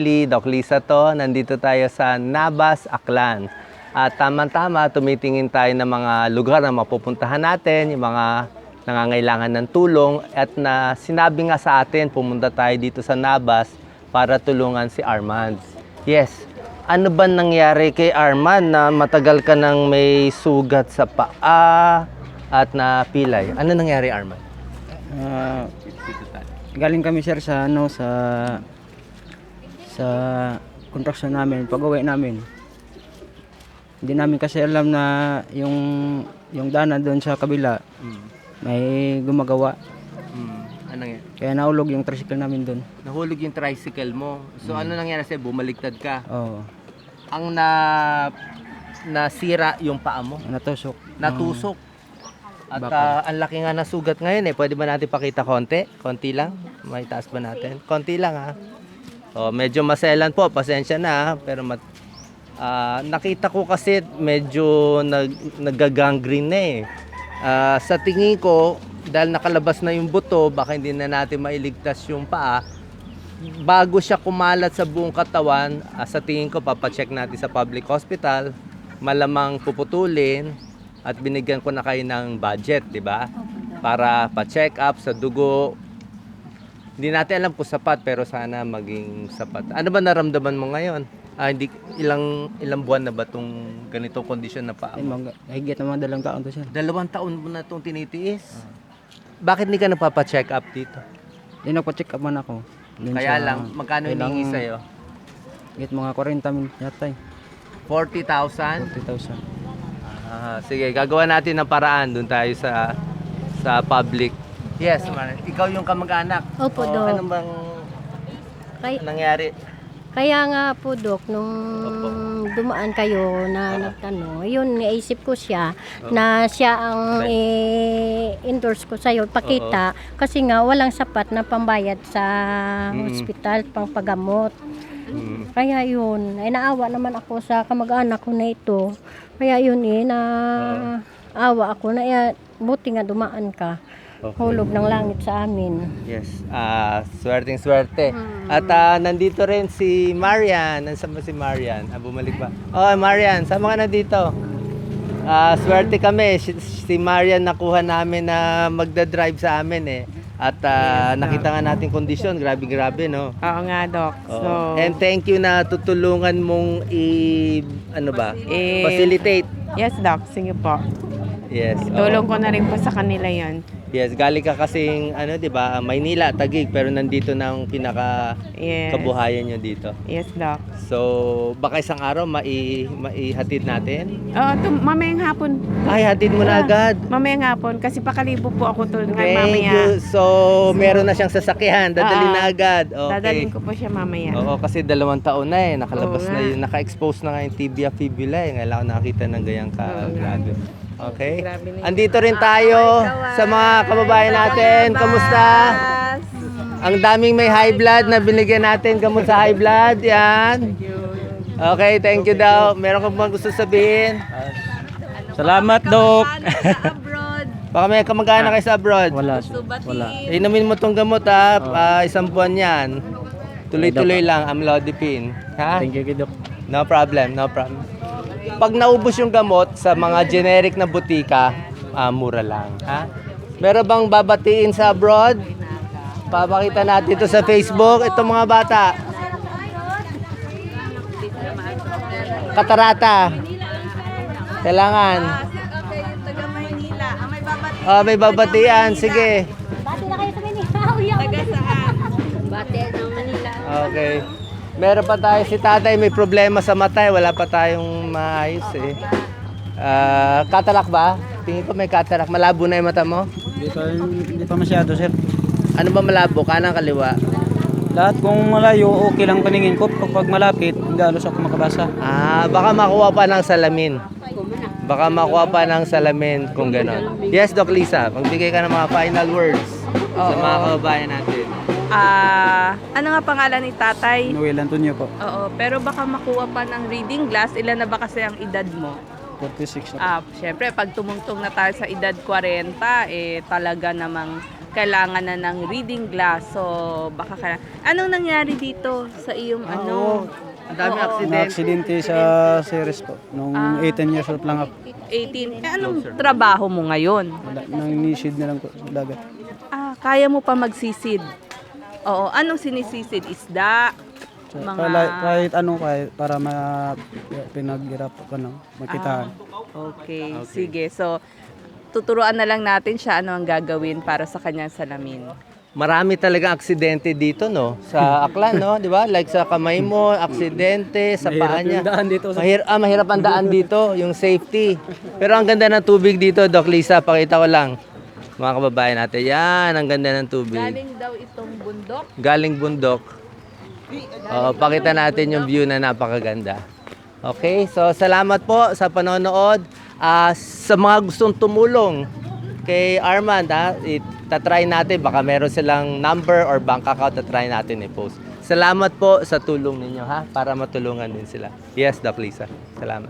Doc Lisa to, nandito tayo sa Nabas, Aklan. At tama-tama, tumitingin tayo ng mga lugar na mapupuntahan natin, yung mga nangangailangan ng tulong. At na sinabi nga sa atin, pumunta tayo dito sa Nabas para tulungan si Armand. Yes, ano ba nangyari kay Armand na matagal ka nang may sugat sa paa at na pilay? Ano nangyari, Armand? Galing kami sir sa construction namin, pag-uwi namin. Hindi namin kasi alam na yung daanan doon sa kabila may gumagawa. Ano nangyari? Kaya naulog yung tricycle namin doon. Nahulog yung tricycle mo. So ano nangyari sa'yo? Bumaligtad ka. Oo, Ang nasira yung paa mo. natusok. Natusok. At Bakal. ang laki nga ng sugat ngayon eh. Pwede ba natin pakita konti? Konti lang? May taas ba natin? Konti lang ha. Oh, medyo maselan po. Pasensya na ha. Pero nakita ko kasi medyo nagagangrene na eh. Sa tingin ko, dahil nakalabas na yung buto, baka hindi na natin mailigtas yung paa. Bago siya kumalat sa buong katawan, sa tingin ko papacheck natin sa public hospital, malamang puputulin at binigyan ko na kayo ng budget, di ba? Para pa-check up sa dugo. Hindi natin alam kung sapat pero sana maging sapat. Ano ba naramdaman mo ngayon? Hindi ilang buwan na ba tong ganitong kondisyon na paa mo? Higit na mga 2 taon to sir. 2 taon mo na itong tinitiis. Bakit hindi ka napapa-check up dito? Di nagpa-check up man ako. Dun Kaya sa- lang, magkano kailangan- hinihingi sa'yo? Higit mga 40 min yata eh. 40,000? 40,000. Sige, gagawa natin ng paraan. Doon tayo sa public. Yes, Mar. Ikaw yung kamag-anak. Opo, Doc. Ano bang nangyari? Kaya nga po, Dok, nung Opo. dumaan kayo na nagtanong, yun, naisip ko siya na siya ang endorse ko sa'yo, pakita, kasi nga walang sapat na pambayad sa hospital, pang paggamot. Kaya yun, ay naawa naman ako sa kamag-anak ko na ito. Kaya yun naawa ako na buti nga dumaan ka. Okay. Hulog ng langit sa amin. Yes. Swerteng-swerte. At nandito rin si Marian. Nasaan ba si Marian? Bumalik ba? Oh, Marian, sama ka na dito. Swerte kami. Si Marian nakuha namin na magda-drive sa amin eh. At nakita nga natin kondisyon. Grabe-grabe, no? Oo nga, Doc. Oo. And thank you na tutulungan mong facilitate. Yes, Doc. Sige po. Yes. oo. Tulong ko na rin po sa kanila yon. Yes, galing ka kasing di ba, Maynila, Taguig, pero nandito na ang pinaka Yes. kabuhayan nyo dito. Yes, Doc. So, baka isang araw maihatid natin? Oo, mamayang hapon. Ay, hatid mo na agad. Mamayang hapon. Kasi pakalibo po ako tulungan Thank mamaya. you. So, meron na siyang sasakyan. Dadali na agad. Okay. Dadalhin ko po siya mamaya. Oo, kasi 2 taon na eh. Nakalabas Oo na nga. yun. Naka-expose na nga yung tibia fibula eh. Ngayon ako nakakita ng ganyang ka-grabe. Okay? Grabe na yun. Andito rin tayo sa mga kababayan natin. Kamusta? Ang daming may high blood na binigyan natin gamot sa high blood. Yan. Okay, thank you daw. Meron ka bang gusto sabihin? Salamat, Doc. Baka may kamag-anak kayo sa abroad. Wala. Inumin mo tong gamot ha. 1 buwan yan. Tuloy-tuloy lang, amlodipine. Ha? Thank you, Doc. No problem, no problem. Pag naubos yung gamot sa mga generic na butika, mura lang. Ha? Meron bang babatiin sa abroad? Papakita natin ito sa Facebook. Ito mga bata. Katarata. Kailangan. Oh, may babatian. Sige. Bati na kayo sa Manila. Taga saan? Bati ng Manila. Okay. Meron pa tayo si tatay, may problema sa mata, wala pa tayong maayos eh. Cataract ba? Tingin ko may cataract. Malabo na yung mata mo? Hindi pa masyado, sir. Ano ba malabo? Kanang kaliwa? Lahat kung malayo, okay lang paningin ko. Pag malapit, hindi halos ako makabasa. Baka makuha pa ng salamin. Baka makuha pa ng salamin kung gano'n. Yes, Doc Lisa, magbigay ka ng mga final words sa mga kababayan natin. Ano nga pangalan ni tatay? Noel Antonio po. Oo, pero baka makuha pa ng reading glass. Ilan na ba kasi ang edad mo? 46 na. Syempre, pag tumungtong na tayo sa edad 40, talaga namang kailangan na ng reading glass. So, baka anong nangyari dito sa iyong ano? Ang dami Oo. aksidente. Na-aksidente sa series po. Nung 18 years old lang ako. 18. Anong trabaho mo ngayon? Nang nisid na lang po sa dagat. Kaya mo pa magsisid? Oo. Anong sinisisid? Isda? So, Mga- kahit ano, para pinaghirap ko ng makitaan. Okay. Sige. So, tuturuan na lang natin siya ano ang gagawin para sa kanyang salamin. Marami talaga aksidente dito, no? Sa Aklan, no? Di ba? Like sa kamay mo, aksidente, sa paa niya. Mahirap ang daan dito, yung safety. Pero ang ganda ng tubig dito, Doc Lisa, pakita ko lang. Mga kababayan natin, yan, ang ganda ng tubig. Galing daw itong bundok. Galing bundok. Pakita natin yung view na napakaganda. Okay, so salamat po sa panonood. Sa mga gustong tumulong kay Armand, itatry natin. Baka meron silang number or bank account, tatry natin i-post. Salamat po sa tulong ninyo, ha? Para matulungan din sila. Yes, Doc Lisa. Salamat.